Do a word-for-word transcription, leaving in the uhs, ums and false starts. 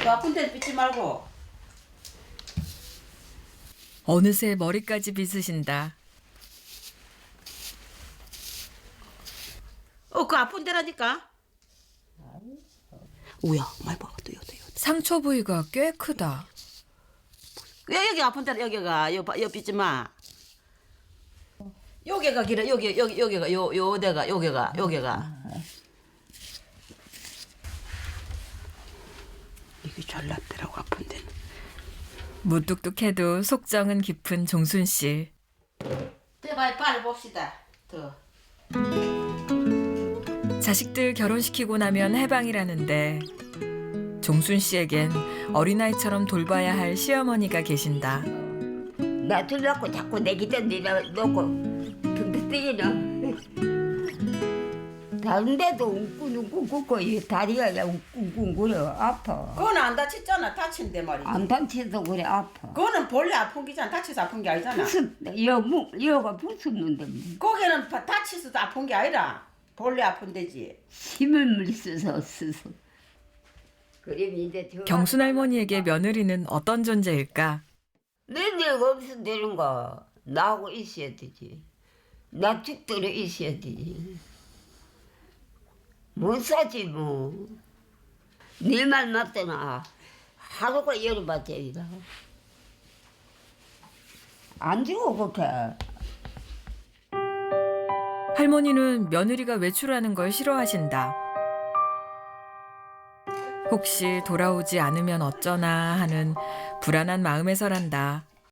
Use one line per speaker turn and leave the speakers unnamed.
또 아픈 데는 삐지 말고.
어느새 머리까지 빗으신다.
어, 그 아픈 데라니까. 우야, 많이 봐. 또 여기, 여기.
상처 부위가 꽤 크다.
여기, 여기 아픈 데라, 여기가. 여, 여 삐지 마. 여기가 길어, 여기, 여기, 여기가, 요, 요 데가, 여기가, 여기가. 이게 잘났더라고, 아픈 데는.
무뚝뚝해도 속정은 깊은 종순 씨.
제발 빨리 봅시다. 더.
자식들 결혼시키고 나면 해방이라는데 종순 씨에겐 어린아이처럼 돌봐야 할 시어머니가 계신다.
나 들라고 자꾸 내 기대 내가 놓고 등대 뛰기는 다른데도 웅끈웅끈 굽고 이 다리가 그냥 웅끈웅끈 그래 아파.
그건 안 다쳤잖아. 다친데 말이지.
안 다쳐도 그래 아파.
그거는 본래 아픈 게잖아. 다쳐서 아픈 게 아니잖아.
무슨 여무 여가 붙었는데 뭐.
거기는 바- 다치서도 아픈 게 아니라 본래 아픈 데지.
힘을 물써서 쓰서. 그럼 이제 저
경순 할머니에게 며느리는 어떤 존재일까?
내내가 없으면 되는 거 나하고 있어야 되지. 나 죽도록 있어야 되지. 못 사지 뭐. 네 말 맞더나 하루가 열어봤자이다. 안 주고 그렇게.
할머니는 며느리가 외출하는 걸 싫어하신다. 혹시 돌아오지 않으면 어쩌나 하는 불안한 마음에서란다.